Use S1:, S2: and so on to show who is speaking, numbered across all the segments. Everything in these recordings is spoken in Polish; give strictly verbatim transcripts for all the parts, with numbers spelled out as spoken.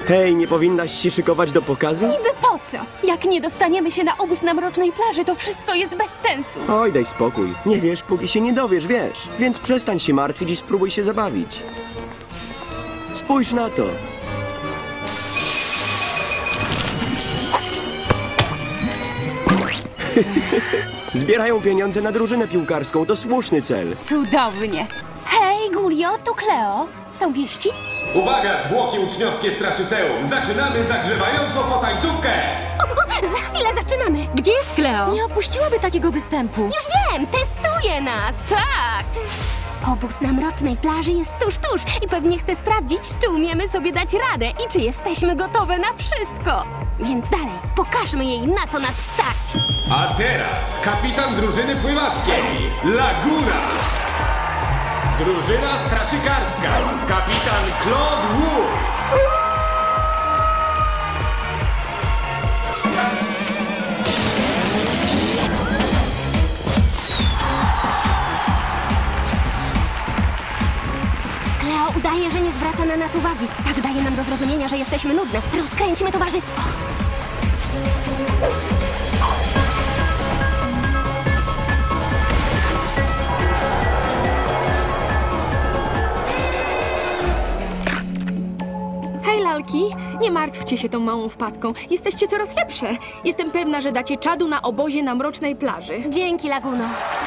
S1: Hej, nie powinnaś się szykować do pokazu?
S2: Niby po co? Jak nie dostaniemy się na obóz na Mrocznej Plaży, to wszystko jest bez sensu.
S1: Oj, daj spokój. Nie wiesz, póki się nie dowiesz, wiesz. Więc przestań się martwić i spróbuj się zabawić. Spójrz na to. Zbierają pieniądze na drużynę piłkarską. To słuszny cel.
S2: Cudownie. Hej, Gulio, tu Kleo. Są wieści?
S3: Uwaga, zwłoki uczniowskie Straszyceum! Zaczynamy zagrzewającą potańcówkę!
S4: Za chwilę zaczynamy.
S2: Gdzie jest Kleo? Nie opuściłaby takiego występu.
S4: Już wiem, testuje nas, tak. Obóz na Mrocznej Plaży jest tuż, tuż i pewnie chce sprawdzić, czy umiemy sobie dać radę i czy jesteśmy gotowe na wszystko. Więc dalej, pokażmy jej, na co nas stać.
S3: A teraz kapitan drużyny pływackiej, Laguna! Drużyna straszykarska, kapitan Claude Wu!
S4: Kleo udaje, że nie zwraca na nas uwagi. Tak daje nam do zrozumienia, że jesteśmy nudne. Rozkręćmy towarzystwo.
S2: Hej, lalki, nie martwcie się tą małą wpadką. Jesteście coraz lepsze. Jestem pewna, że dacie czadu na obozie na Mrocznej Plaży.
S4: Dzięki, Laguno.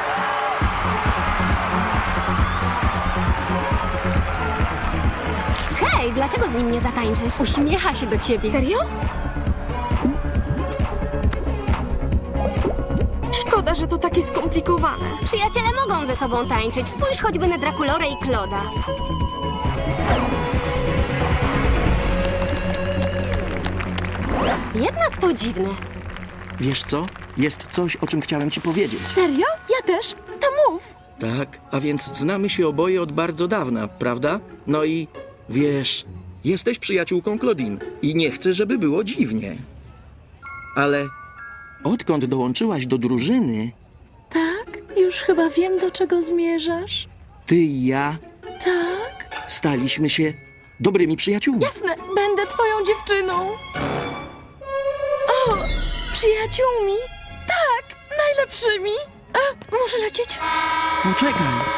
S4: Hej, dlaczego z nim nie zatańczysz?
S2: Uśmiecha się do ciebie. Serio? Szkoda, że to takie skomplikowane.
S4: Przyjaciele mogą ze sobą tańczyć. Spójrz choćby na Drakulorę i Claude'a. Jednak to dziwne.
S5: Wiesz co? Jest coś, o czym chciałem ci powiedzieć.
S2: Serio? Ja też? To mów.
S5: Tak, a więc znamy się oboje od bardzo dawna, prawda? No i wiesz, jesteś przyjaciółką Claudine i nie chcę, żeby było dziwnie. Ale odkąd dołączyłaś do drużyny,
S6: Tak? Już chyba wiem, do czego zmierzasz.
S5: ty i ja
S6: Tak?
S5: staliśmy się dobrymi przyjaciółmi.
S6: Jasne, będę twoją dziewczyną. O, przyjaciółmi? Tak, najlepszymi. A, muszę lecieć.
S5: Poczekaj.